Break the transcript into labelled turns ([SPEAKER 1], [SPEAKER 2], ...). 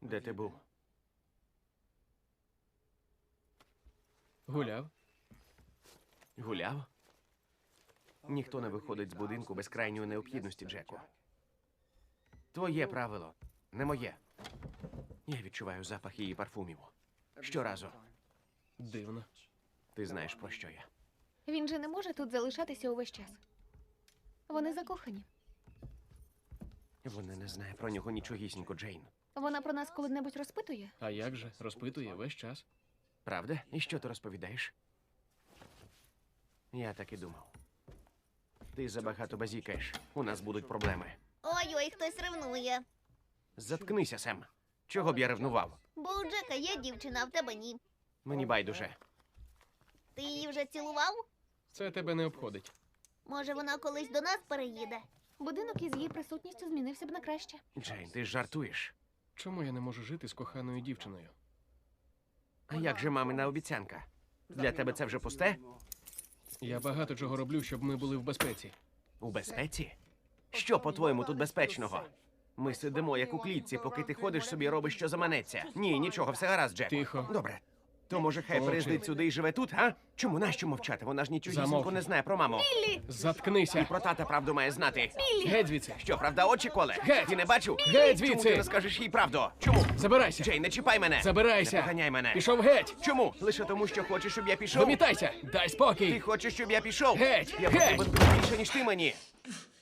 [SPEAKER 1] Де ти був?
[SPEAKER 2] Гуляв.
[SPEAKER 1] Гуляв? Ніхто не виходить з будинку без крайньої необхідності, Джеку. Твоє правило, не моє. Я відчуваю запах її парфумів. Щоразу.
[SPEAKER 2] Дивно.
[SPEAKER 1] Ти знаєш, про що я.
[SPEAKER 3] Він же не може тут залишатися увесь час. Вони закохані.
[SPEAKER 1] Вона не знає про нього нічогісінько, Джейн.
[SPEAKER 3] Вона про нас коли-небудь розпитує?
[SPEAKER 2] А як же? Розпитує весь час.
[SPEAKER 1] Правда? І що ти розповідаєш? Я так і думав. Ти забагато базікаєш. У нас будуть проблеми.
[SPEAKER 4] Ой-ой, хтось ревнує.
[SPEAKER 1] Заткнися, Сем. Чого б я ревнував?
[SPEAKER 4] Бо у Джека є дівчина, а в тебе ні.
[SPEAKER 1] Мені байдуже.
[SPEAKER 4] Ти її вже цілував?
[SPEAKER 2] Це тебе не обходить.
[SPEAKER 4] Може, вона колись до нас переїде?
[SPEAKER 3] Будинок із її присутністю змінився б на краще.
[SPEAKER 1] Джейн, ти ж жартуєш.
[SPEAKER 2] Чому я не можу жити з коханою дівчиною?
[SPEAKER 1] А як же мамина обіцянка? Для тебе це вже пусте?
[SPEAKER 2] Я багато чого роблю, щоб ми були в безпеці.
[SPEAKER 1] У безпеці? Що, по-твоєму, тут безпечного? Ми сидимо, як у клітці, поки ти ходиш собі, робиш, що заманеться. Ні, нічого, все гаразд, Джек.
[SPEAKER 2] Тихо.
[SPEAKER 1] Добре. То може хай
[SPEAKER 2] Мовчи.
[SPEAKER 1] приїздить сюди і живе тут, а? Чому нащо мовчати? Вона ж нічогісінько
[SPEAKER 2] Замовкни.
[SPEAKER 1] не знає про маму.
[SPEAKER 2] Заткнися!
[SPEAKER 1] Про тата правду має знати.
[SPEAKER 2] Геть звідси!
[SPEAKER 1] Що, правда, очі коле?
[SPEAKER 2] Геть!
[SPEAKER 1] Ти не бачив?
[SPEAKER 2] Геть
[SPEAKER 1] Чому ти
[SPEAKER 2] звідси!
[SPEAKER 1] не скажеш їй правду? Чому?
[SPEAKER 2] Забирайся!
[SPEAKER 1] Джей, не чіпай мене!
[SPEAKER 2] Забирайся!
[SPEAKER 1] Не поганяй мене!
[SPEAKER 2] Пішов геть!
[SPEAKER 1] Чому? Лише тому, що хочеш, щоб я пішов?
[SPEAKER 2] Вимітайся! Дай
[SPEAKER 1] Ти
[SPEAKER 2] спокій!
[SPEAKER 1] хочеш, щоб я пішов?
[SPEAKER 2] Геть!
[SPEAKER 1] Я
[SPEAKER 2] Геть!
[SPEAKER 1] потрібен тобі більше, ніж ти мені.